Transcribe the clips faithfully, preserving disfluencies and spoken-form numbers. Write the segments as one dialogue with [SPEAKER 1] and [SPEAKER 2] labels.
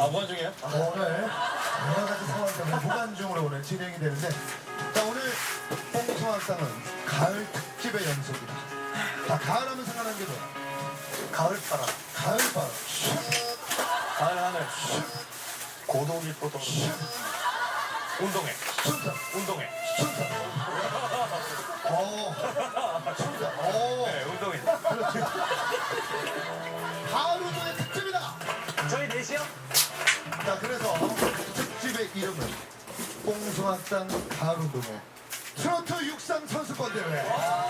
[SPEAKER 1] 무한중이에요?
[SPEAKER 2] 오늘 여러 가지 상황 때문에 무관중으로 오늘 진행이 되는데, 자, 오늘 뽕소학당은 가을 특집의 연속이다. 자, 가을 하면 생각나는 게 뭐야? 가을바람. 가을바람.
[SPEAKER 1] 가을 하늘. 고독이 포도. 운동회.
[SPEAKER 2] 춘천.
[SPEAKER 1] 운동회.
[SPEAKER 2] 춘천. 어. 춘천. 어.
[SPEAKER 1] 네, 운동회.
[SPEAKER 2] 그렇지. 가을 운동의 특집이다.
[SPEAKER 1] 저희 넷이요?
[SPEAKER 2] 자, 그래서 특집의 이름은 뽕소학당 가을 운동회 트로트 육상 선수권 대회.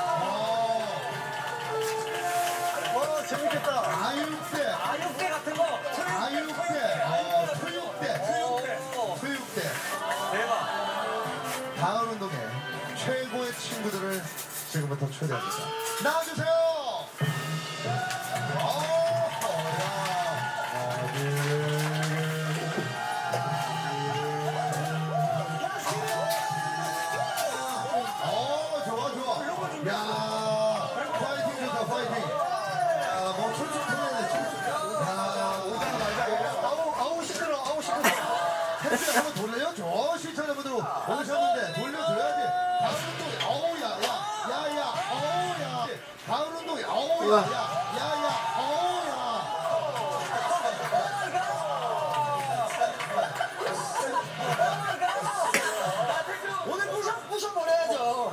[SPEAKER 1] 와, 재밌겠다.
[SPEAKER 2] 아육대,
[SPEAKER 1] 아육대 같은 거.
[SPEAKER 2] 아육대, 어, 토육대,
[SPEAKER 1] 수육대.
[SPEAKER 2] 토육대.
[SPEAKER 1] 대박.
[SPEAKER 2] 가을 운동회 최고의 친구들을 지금부터 초대합니다. 나와주세요. 어, 야. 어, 좋아, 좋아. 야, 파이팅 좋다, 파이팅. 야, 뭐 출출 틀렸네, 출출. 야, 오다가 말자. 아우, 아우 시끄러, 아우 시끄러. 햇빛 한번 돌려줘. 시청자분들 오셨는데 돌려줘야지. 가을 운동회, 어우, 야, 야, 야, 야, 어우, 야. 가을 운동회, 어우, 야, 야, 야, 야, 어우, 야.
[SPEAKER 1] 오늘 부셔, 부셔버려야죠.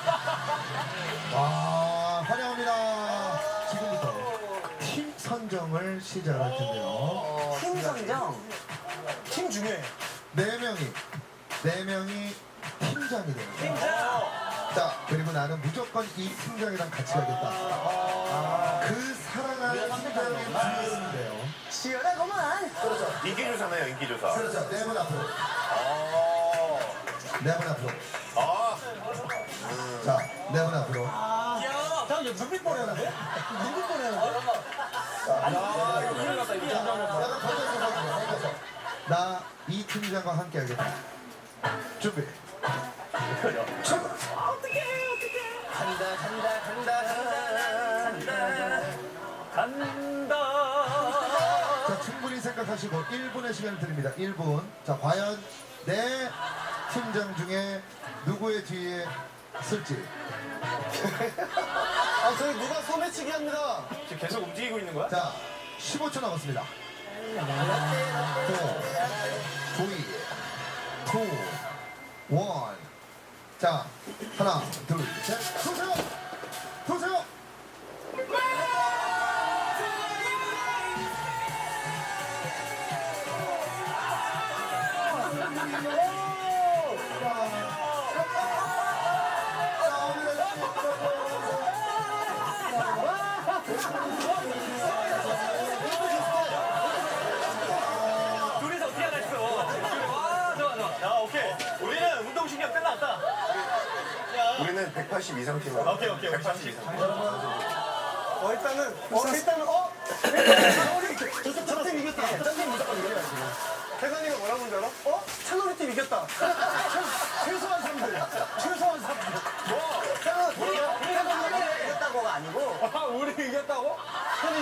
[SPEAKER 2] 와, 환영합니다. 지금부터 팀 선정을 시작할 텐데요.
[SPEAKER 1] 팀 선정. 팀 중요해.
[SPEAKER 2] 네 명이, 네 명이 팀장이 되는 거예요.
[SPEAKER 1] 팀장.
[SPEAKER 2] 자, 그리고 나는 무조건 이 팀장이랑 같이 가겠다. 그 사랑하는 팀장의 분이 돼요.
[SPEAKER 1] 시원하구만.
[SPEAKER 3] 인기조사네요, 인기조사.
[SPEAKER 2] 그렇죠. 네 분 앞으로.
[SPEAKER 3] 어.
[SPEAKER 2] 네 분 앞으로.
[SPEAKER 3] 아.
[SPEAKER 2] 자, 네 분 앞으로.
[SPEAKER 1] 야, 잠깐, 이거 눈빛 보내는데? 눈빛 보내는데? 야, 이거 큰일 났다. 이거 팀장 한 번.
[SPEAKER 2] 약간 던져서 던져서, 던져서. 나 이 팀장과 함께 하겠다. 준비. 출발.
[SPEAKER 1] 어떡해, 어떡해. 간다, 간다, 간다, 간다, 간다.
[SPEAKER 2] 자, 충분히 생각하시고 일 분의 시간을 드립니다. 일 분. 자, 과연 내 팀장 중에 누구의 뒤에 쓸지.
[SPEAKER 1] 아, 저희 누가 소매치기 합니다. 지금 계속 움직이고 있는 거야?
[SPEAKER 2] 자, 십오 초 남았습니다. 사, 삼, 이, 일. 자, 하나, 둘, 셋. 도세요! 도세요!
[SPEAKER 1] 둘이서 어떻게 하나 했어. 와, 좋아, 좋아. 야, 오케이. 우리는 운동신경 끝났다.
[SPEAKER 3] 우리는 백팔십 이상 팀으로.
[SPEAKER 1] 오케이, 오케이.
[SPEAKER 3] 백팔십 이상.
[SPEAKER 1] 어, 일단은, 어, 일단은, 어? 우리 저쪽 저팀 이겼다. 저팀 무조건 이겨야지. 태관이가 뭐라고 한줄 알아? 어? 찬호리 팀 이겼다. 최- 최소한 삼 등. 최소한 삼 등. 뭐? 태관, 우리가, 우리가 이겼다고가 아니고. 아, 우리 이겼다고? 형이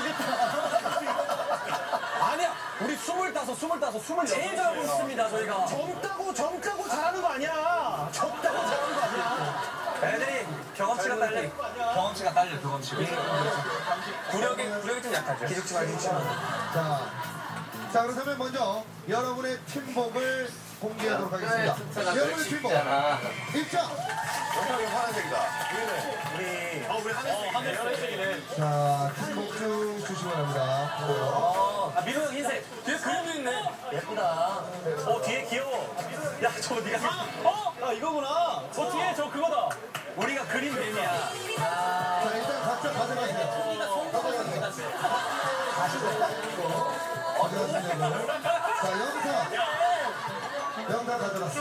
[SPEAKER 1] 이겼다. 아니야. 우리 스물다섯, 스물다섯, 스물여섯. 제일 잘하고 있습니다, 저희가. 젊다고, 젊다고 잘하는 거 아니야. 젊다고 잘하는 거 아니야. 애들이 경험치가 딸려. 경험치가 딸려, 경험치가. 구력이, 구력이 좀 약하죠. 기죽지 마, 기죽지 마.
[SPEAKER 2] 자, 자, 그렇다면 먼저 여러분의 팀복을 공개하도록 하겠습니다. 여러분의 팀복 입장.
[SPEAKER 3] 영탁이 파란색이다.
[SPEAKER 1] 우리. 아, 우리 하늘색. 하늘 하늘색이네.
[SPEAKER 2] 자, 팀복 쭉 주시기 바랍니다. 보고요.
[SPEAKER 1] 아, 민호 형 흰색. 뒤에 그림도 있네. 예쁘다. 어, 뒤에 귀여워. 야, 저거 네가. 어? 야, 이거구나. 저 뒤에 저 그거다. 우리가 그린 뱀이야.
[SPEAKER 2] 자, 일단 각자 가져가세요. 가져가세요. 가져가시고. 자, 영상. 영상 가져갔어.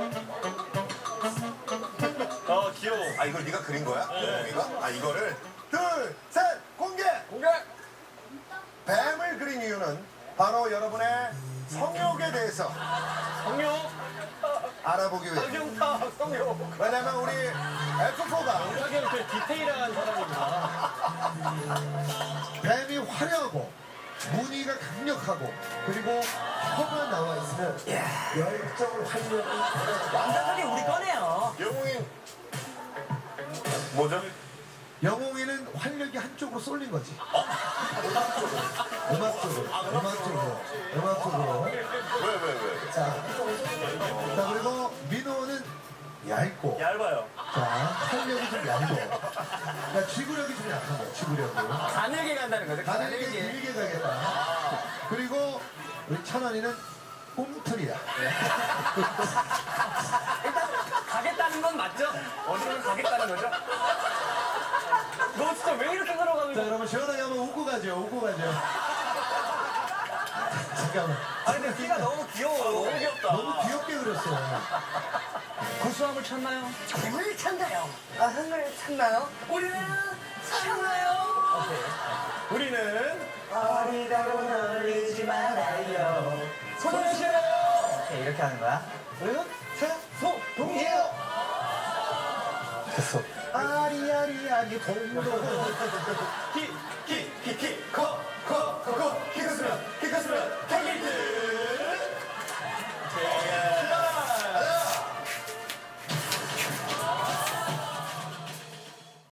[SPEAKER 1] 어, 귀여워.
[SPEAKER 3] 아, 이걸 네가 그린 거야? 영웅이가? 아, 이거를? 둘, 셋, 공개!
[SPEAKER 1] 공개.
[SPEAKER 3] 뱀을 그린 이유는 바로 여러분의 성욕에 대해서
[SPEAKER 1] 성룡.
[SPEAKER 3] 알아보기 위해.
[SPEAKER 1] 성룡타. 성룡.
[SPEAKER 3] 왜냐면 우리 에프포가
[SPEAKER 1] 영탁이 형 되게 디테일한 사람입니다.
[SPEAKER 2] 뱀이 화려하고 무늬가 강력하고 그리고 혀가 나와 있으면 열정을 활력이
[SPEAKER 4] 완전하게 우리 거네요.
[SPEAKER 3] 영웅이 뭐죠?
[SPEAKER 2] 영웅이는 활력이 한쪽으로 쏠린 거지. 음악 쪽으로. 음악 쪽으로. 음악 쪽으로.
[SPEAKER 3] 왜 왜 왜?
[SPEAKER 2] 자, 자 그리고 민호는 얇고.
[SPEAKER 4] 얇아요.
[SPEAKER 2] 자, 활력이 좀 얇고. 그러니까 지구력이 좀 약한 거야. 지구력이.
[SPEAKER 4] 가늘게 간다는 거죠.
[SPEAKER 2] 가늘게 길게 가겠다. 그리고 우리 찬원이는 꿈틀이야.
[SPEAKER 4] 일단 가겠다는 건 맞죠? 어디로 가겠다는 거죠? 너 진짜 왜 이렇게 걸어가는
[SPEAKER 2] 자,
[SPEAKER 4] 거야?
[SPEAKER 2] 그러면 시원하게 한번 웃고 가죠. 웃고 가죠. 잠깐만.
[SPEAKER 4] 아니 근데 키가 너무 귀여워. 너무 귀엽다.
[SPEAKER 2] 너무 귀엽게 그렸어요.
[SPEAKER 4] 구수함을 찾나요? 힘을 찾나요? 아, 힘을 찾나요? 우리는 찾나요? 오케이. 우리는 어리다고 놀리지 말아요. 손을 실어요. 오케이, 이렇게 하는 거야. 우리는 최소동이에요. 됐어.
[SPEAKER 2] 아리아리아리 동동.
[SPEAKER 4] 기,